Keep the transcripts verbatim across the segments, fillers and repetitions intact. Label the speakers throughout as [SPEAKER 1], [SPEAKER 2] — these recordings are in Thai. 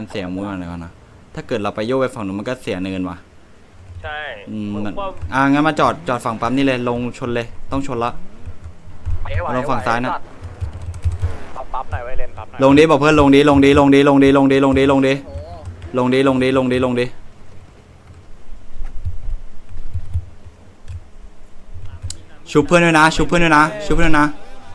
[SPEAKER 1] เสียมูดอะไรก่อนนะถ้าเกิดเราไปโยกไปฝั่งนู้นมันก็เสียเนินว่ะ
[SPEAKER 2] ใช่
[SPEAKER 1] อืมมันอ่างั้นมาจอดจอดฝั่งปั๊มนี่เลยลงชนเลยต้องชนละลงฝั่งซ้ายนะ
[SPEAKER 2] ปั๊บหน่อยไว้เลนปั๊บหน่อย
[SPEAKER 1] ลงดิบอกเพื่อนลงดิลงดิลงดิลงดิลงดิลงดิลงดิลงดิลงดิลงดิลงดิชุบเพื่อนด้วยนะชุบเพื่อนด้วยนะชุบเพื่อนด้วยนะ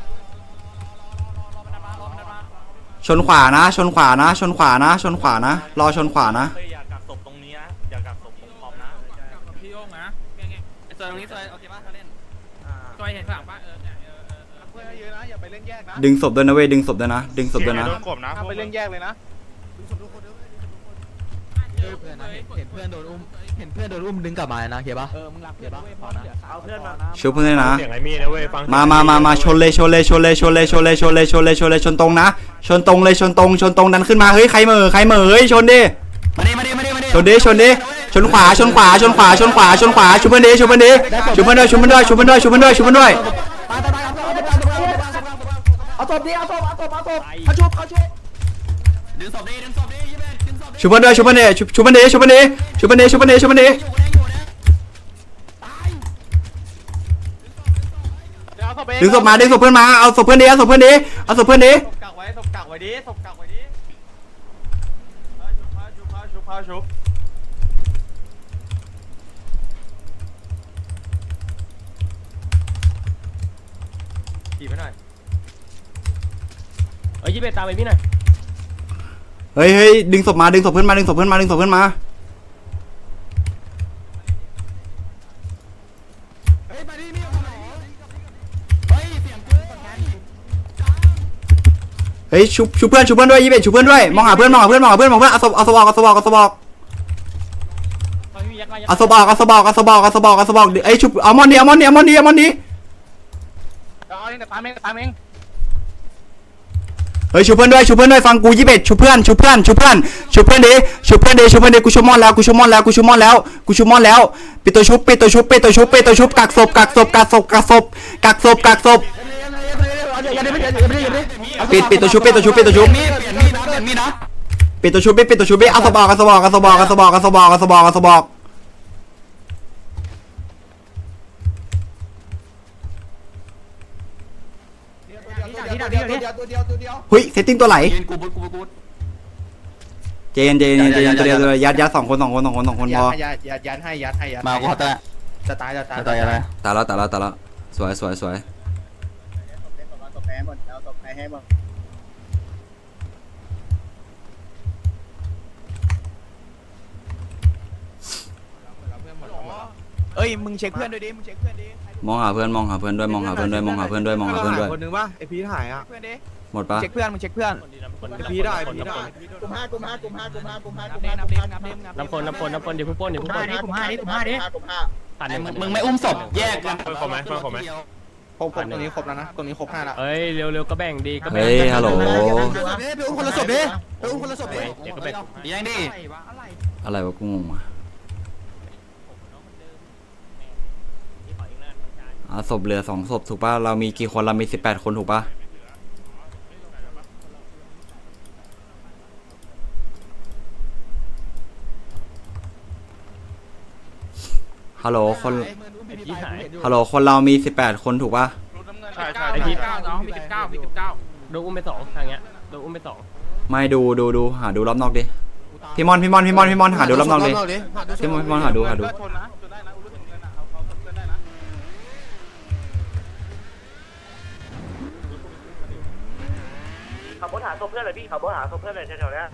[SPEAKER 1] ชนขวานะชนขวานะชนขวานะชนขวานะรอชนขวานะ
[SPEAKER 2] อย่ากักศพตรงนี้นะอย่ากักศพตรงขอบนะ
[SPEAKER 3] พี่โยงนะไอ้ซอยตรงนี้ซอยโอเคป่ะเขาเล่นซอยเห็นฝั่งป่ะเออเนี่ยเออเออเพื่อนเยอะนะอย่าไปเล่นแยกนะ
[SPEAKER 1] ดึงศพด้วยนะเว้ยดึงศพด้วยนะดึงศพด้วยนะ
[SPEAKER 3] ไปเล่นแยกเลยนะดึงศพทุกคนด้วยเพื่อนนะเห็นเพื่อนโดนอุ้มเห็นเพื่อนโดนอุ้มดึงกลับมานะเขียป่ะเออมึงรับเขียป่ะเอาเพื่อนมา
[SPEAKER 1] ชุบเพื่อนนะ
[SPEAKER 2] เสียงไอ้มีนะเว้ยฟัง
[SPEAKER 1] มามามามาชนเลยชนเลยชนเลยชนเลยชนเลยชนเลยชนเลยชนเลยชนตรงนะชนตรงเลยชนตรงชนตรงดันขึ้นมาเฮ้ยใครเหม่อใครเหม่อเฮ้ยชนดิ
[SPEAKER 3] มาดิมาดิมาดิมาดิ
[SPEAKER 1] ชนดิชนดิชนขวาชนขวาชนขวาชนขวาชนขวาชุบเพื่อนดิชุบเพื่อนดิชุบเพื่อนด้วยชุบเพื่อนด้วยชุบเพื่อนด้วยชุบเพื่อนด้วยชุบเพื่อนด้วย
[SPEAKER 3] เอาศพดิเอาศพเอาศพเอาศพเขาชุบเขาชุบดึงศพดิดึงศพดิยี่สิบเอ็ดดึงศพ
[SPEAKER 1] ชุบเพื่อนด้วยชุบเพื่อนดิชุบเพื่อนดิชุบเพื่อนดิชุบเพื่อนดิชุบเพื่อนดิชุบเพื่อนดิดึงศพมาดึงศพเพื่อนมาเอาศพเพื่อนดิเอาศพเพื่อนดิเอาศพเพื่อนดิ
[SPEAKER 3] กักไว้ศพกักไว้ดิศพกักไว้ดิชุบพาชุบพาชุบขี่ไปหน่อย
[SPEAKER 2] เอ้ยยี่สิบเอ็ดตามไปพี่หน่อย
[SPEAKER 1] เฮ้ยเฮ้ยดึงศพมาดึงศพเพื่อนมาดึงศพเพื่อนมาดึงศพเพื่อนมา
[SPEAKER 3] เฮ้ยมาดิมีคนไหนเฮ้ยเสียงกู
[SPEAKER 1] เฮ้ยชุบชุบเพื่อนชุบเพื่อนด้วยยี่สิบเอ็ดชุบเพื่อนด้วยมองหาเพื่อนมองหาเพื่อนมองหาเพื่อนมองเพื่อนเอาศพเอาศพออกเอาศพออกเอาศพออกเอาศพออกเอาศพออกเอาศพออกเอาศพออกเอาศพออกเอ้ยชุบเอามอนดิเอามอนดิเอามอนดิเอามอนดิ
[SPEAKER 3] เอาเองแต่ตามเองตามเอง
[SPEAKER 1] เฮ้ยชุบเพื่อนด้วยชุบเพื่อนด้วยฟังกูยี่สิบเอ็ดชุบเพื่อนชุบเพื่อนชุบเพื่อนชุบเพื่อนดิชุบเพื่อนดิชุบเพื่อนดิกูชุบมอนแล้วกูชุบมอนแล้วกูชุบมอนแล้วกูชุบมอนแล้วปิดตัวชุบปิดตัวชุบปิดตัวชุบปิดตัวชุบกักศพกักศพกักศพกักศพกักศพกักศพปิดปิดตัวชุบปิดตัวชุบปิดตัวชุบปิดตัวชุบปิดปิดตัวชุบเอาศพออกเอาศพออกเอาศพออกเอาศพออกเอาศพออกเอาศพออกเอาศพออกเฮ้ยเซตติ้งตัวไหลเจนเจนเจนตัวเดียวตัวยัดยัดสองคนสองคนสองคนสองคนพอ
[SPEAKER 3] ยัดยัดยัดให้ยัดให้ยัด
[SPEAKER 1] มาก็แต่
[SPEAKER 3] จะตายจะตาย
[SPEAKER 1] ตายอะไรตายแล้วตายแล้วตายแล้วสวยสวยสวย
[SPEAKER 3] เอ้ยมึงเช็คเพื่อนด้วยดิมึงเช็คเพื่อนดิ
[SPEAKER 1] มองหาเพื่อนมองหาเพื่อนด้วยมองหาเพื่อนด้วยมองหาเพื่อนด้วยมองหาเพื่อนด้วย
[SPEAKER 3] คนนึงป่ะไอพีถ่ายอ่ะ
[SPEAKER 1] หมดปะ
[SPEAKER 3] เช็คเพื่อนมึงเช็คเพื่อนไอพีได้พีได้กลุ่มห้ากลุ่มห้ากลุ่มห้ากลุ่มห้ากลุ่มห้ากลุ่มห้ากลุ่มห้ากลุ่มห้า
[SPEAKER 2] น้ำคนน้ำคนน้ำคนเดี๋ยวพุ่งป้นเดี๋ยวพุ่งป้น
[SPEAKER 3] กลุ่มห้าดิกลุ่มห้าดิกลุ่มห้า
[SPEAKER 2] มึงไม่อุ้มศพแยกกัน
[SPEAKER 3] ครบไหมครบไหมครบตรงนี้ครบแล้วนะตรงนี้ครบห้าแล้ว
[SPEAKER 2] เอ้ยเร็วๆก็แบ่งดีก็แบ่ง
[SPEAKER 1] เฮ้ยฮัลโหล
[SPEAKER 3] ไปอุ้มคนละศพดิไปอุ้มคนละศพดิ
[SPEAKER 2] เดี๋ยวก็แบ่ง
[SPEAKER 3] ยังดิ
[SPEAKER 1] อะไรวะกูงงอ่ะอ่ะศพเหลือสองศพถูกป่ะเรามีกี่คนเรามีสิบแปดคนถูกป่ะฮัลโหลคนฮัลโหลคนเรามีสิบแปดคนถูกป่ะ
[SPEAKER 2] ใช่ใช่ไอพีเก้าน้องมีสิบเก้ามีสิบเก้าโดนอุ้มไปสองทางเงี้ยโดนอุ้มไปสอง
[SPEAKER 1] ไม่ดูดูดูหาดูรอบนอกดิพี่มอนพี่มอนพี่มอนพี่มอนหาดูรอบนอกดิพี่มอนพี่มอนหาดูหาดู
[SPEAKER 2] ขับรถหาศพเพื่อนเลยพี่ขับรถหาศพเพื่อนเลยแถวๆนี้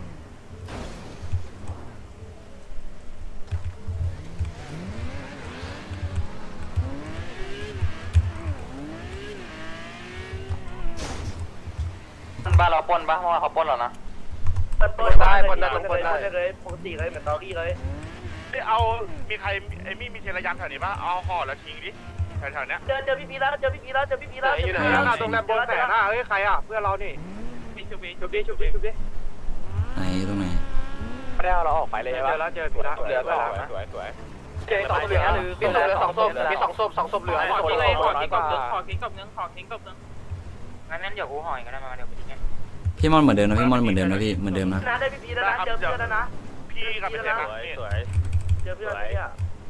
[SPEAKER 2] บ้านเราปนปะเพราะว่าเขาปนเรานะปนได้ปนได้ปนได้เลยปกติเลยเหมือนตอรี่เลยเอามีใครไอ้มี่มีเทระยำแถวนี้ปะเอาห่อแล้วทิ้งดิแถวๆนี้เจอเจอพี่พีแล้วเจอพี่พีแล้วเจอพี่พีแล้วอยู่ไหนตรงนั้นบนแสนหน้าเฮ้ยใครอ่ะเพื่อนเรานี่ชุบดิชุบดิชุบดิชุบดิ
[SPEAKER 1] ไหนตรงไหน
[SPEAKER 2] ไม่ได้เอาเราออกไปเลยใช่ปะเจอแล้วเจอพี่ละเหลือสองสวยสวยเจอสองเหลือมีสองเหลือสองศพมีสองศพสองศพเหลือขอทิ้งเลยขอทิ้งกับเนื้อขอทิ้งกับเนื้อขอทิ้งกับเนื้องั้นงั้นเดี๋ยวกูห่อยก็ได้มาเดี๋ยวกูทิ้ง
[SPEAKER 1] พี่มอนเหมือนเดิมนะพี่มอนเหมือนเดิมนะพี่เหมือนเดิมนะ
[SPEAKER 4] นะได้พี่พีแล้วนะเจอเพื่อนแล้วนะ
[SPEAKER 2] พี่กับพี่เจมส์สวย
[SPEAKER 4] เจอเพื่อนเนี่ย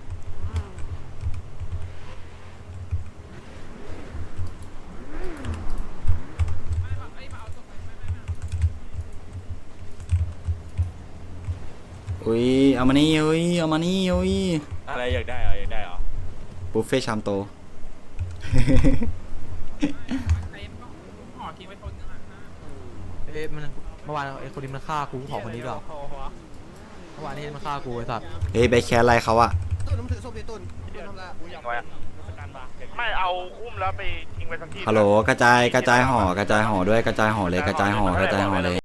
[SPEAKER 1] อุ้ยเอามานี่อุ้ยเอามานี่อุ้ย
[SPEAKER 2] อะไรอยากได้เหรออยากได้เหรอ
[SPEAKER 1] บุฟเฟ่ชามโต
[SPEAKER 3] เอ้ยมันเมื่อวานไอ้คนนี้มันฆ่ากูขอคนนี้ด้วยเมื่อวานนี้มันฆ่ากูไอ้สัตว์
[SPEAKER 1] เฮ้ยไปแคสอะไรเขาอะ
[SPEAKER 2] ไม่เอาอุ้มแล้วไปทิ้งไว้สักที่
[SPEAKER 1] ฮัลโหลกระจายกระจายห่อกระจายห่อด้วยกระจายห่อเลยกระจายห่อกระจายห่อเลย